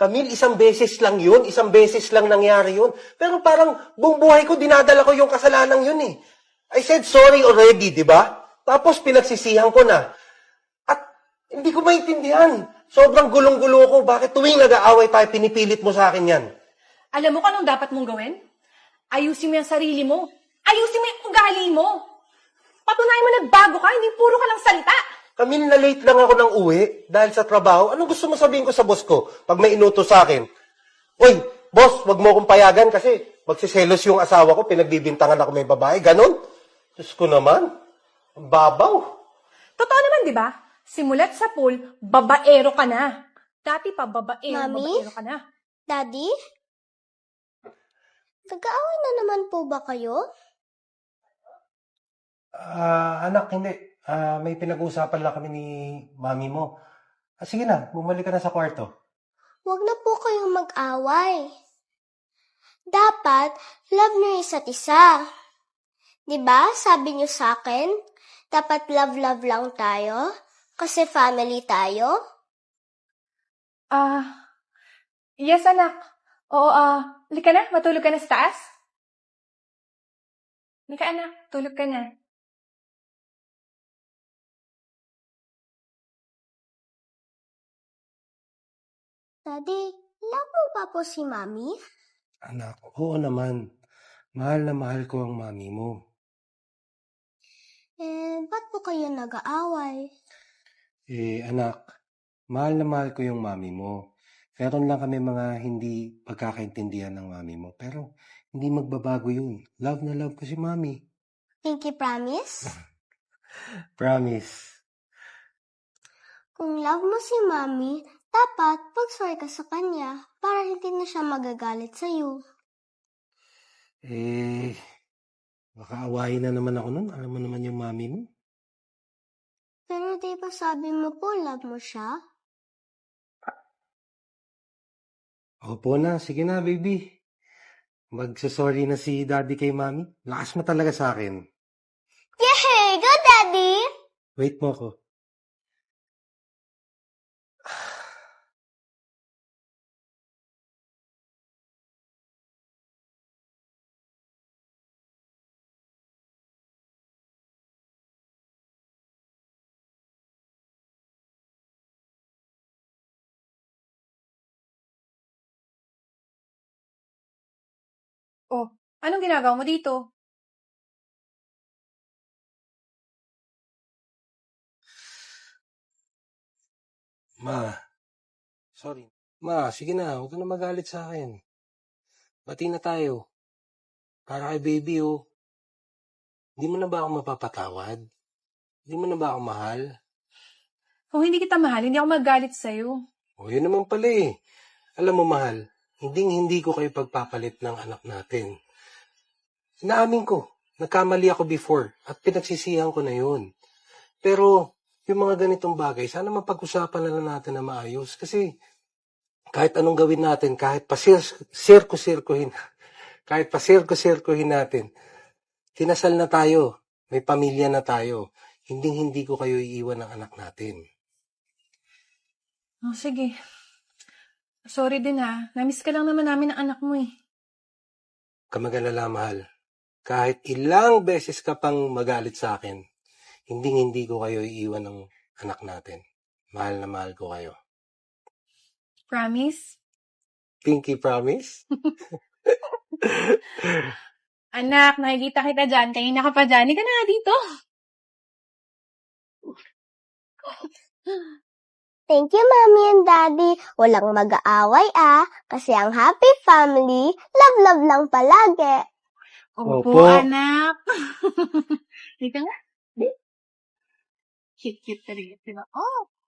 Camille, isang beses lang yun. Isang beses lang nangyari yun. Pero parang buong buhay ko, dinadala ko yung kasalanan yun eh. I said sorry already, di ba? Tapos pinagsisihan ko na. At hindi ko maintindihan. Sobrang gulong-gulo ko. Bakit tuwing nag-aaway tayo, pinipilit mo sa akin yan? Alam mo kung anong dapat mong gawin? Ayusin mo yung sarili mo. Ayusin mo yung ugali mo. Patunayan mo nagbago ka, hindi puro ka lang salita. Camille, na-late lang ako ng uwi dahil sa trabaho. Anong gusto mo sabihin ko sa boss ko pag may inutos sa akin? Uy, boss, wag mo akong payagan kasi magsiselos yung asawa ko, pinagbibintangan ako may babae. Ganon? Diyos ko naman. Ang babaw. Totoo naman, di ba? Simulat sa pool, babaero ka na. Dati pa, babaero ka na. Daddy? Nag-aaway na naman po ba kayo? Anak, hindi. May pinag-uusapan lang kami ni mami mo. Sige na, bumalik ka na sa kwarto. Huwag na po kayong mag-away. Dapat, love niyo isa't isa. Diba, sabi niyo sa akin, dapat love-love lang tayo? Kasi family tayo? Yes, anak. Oo, halika na, matulog ka na sa taas. Halika, anak, tulog ka na. Daddy, love mo ba po si Mami? Anak, oo naman. Mahal na mahal ko ang mami mo. Ba't po kayo nag-aaway? Anak, mahal na mahal ko yung mami mo. Meron lang kami mga hindi pagkakaintindihan ng mami mo. Pero hindi magbabago yun. Love na love ko si mami. Pinky promise? Promise. Kung love mo si Mami, dapat mag-sorry ka sa kanya para hindi na siya magagalit sa'yo. Baka awayin na naman ako nun. Alam mo naman yung mami mo. Pero di ba sabi mo po love mo siya? Opo na. Sige na, baby. Magsasorry na si daddy kay mami. Lakas mo talaga sa akin. Yay! Go, Daddy! Wait mo ako. Oh, anong ginagawa mo dito? Ma, sorry. Ma, sige na. Huwag ka na magalit sa akin. Bati na tayo. Para kay baby, oh. Hindi mo na ba ako mapapatawad? Hindi mo na ba ako mahal? Kung hindi kita mahal, hindi ako magalit sa'yo. O, yun naman pala eh. Alam mo, mahal, hindi ko kayo pagpapalit ng anak natin. Inaamin ko, nagkamali ako before at pinagsisihan ko na yun. Pero, yung mga ganitong bagay, sana mapag-usapan na lang natin na maayos. Kasi, kahit anong gawin natin, kahit pa sirko-sirkuhin natin, kinasal na tayo, may pamilya na tayo, hindi ko kayo iiwan ng anak natin. Oh, sige. Sorry din ha. Namiss ka lang naman namin ng anak mo eh. Kamagalala, mahal. Kahit ilang beses ka pang magalit sa akin, hindi ko kayo iiwan ng anak natin. Mahal na mahal ko kayo. Promise? Pinky promise? Anak, nakikita kita dyan. Kanina ka pa dyan. Hindi ka na nga dito. Thank you, Mommy and Daddy. Walang mag-aaway kasi ang happy family, love-love lang palagi. Opo, anak. Hindi ka nga. Cute-cute talaga, diba? Oh,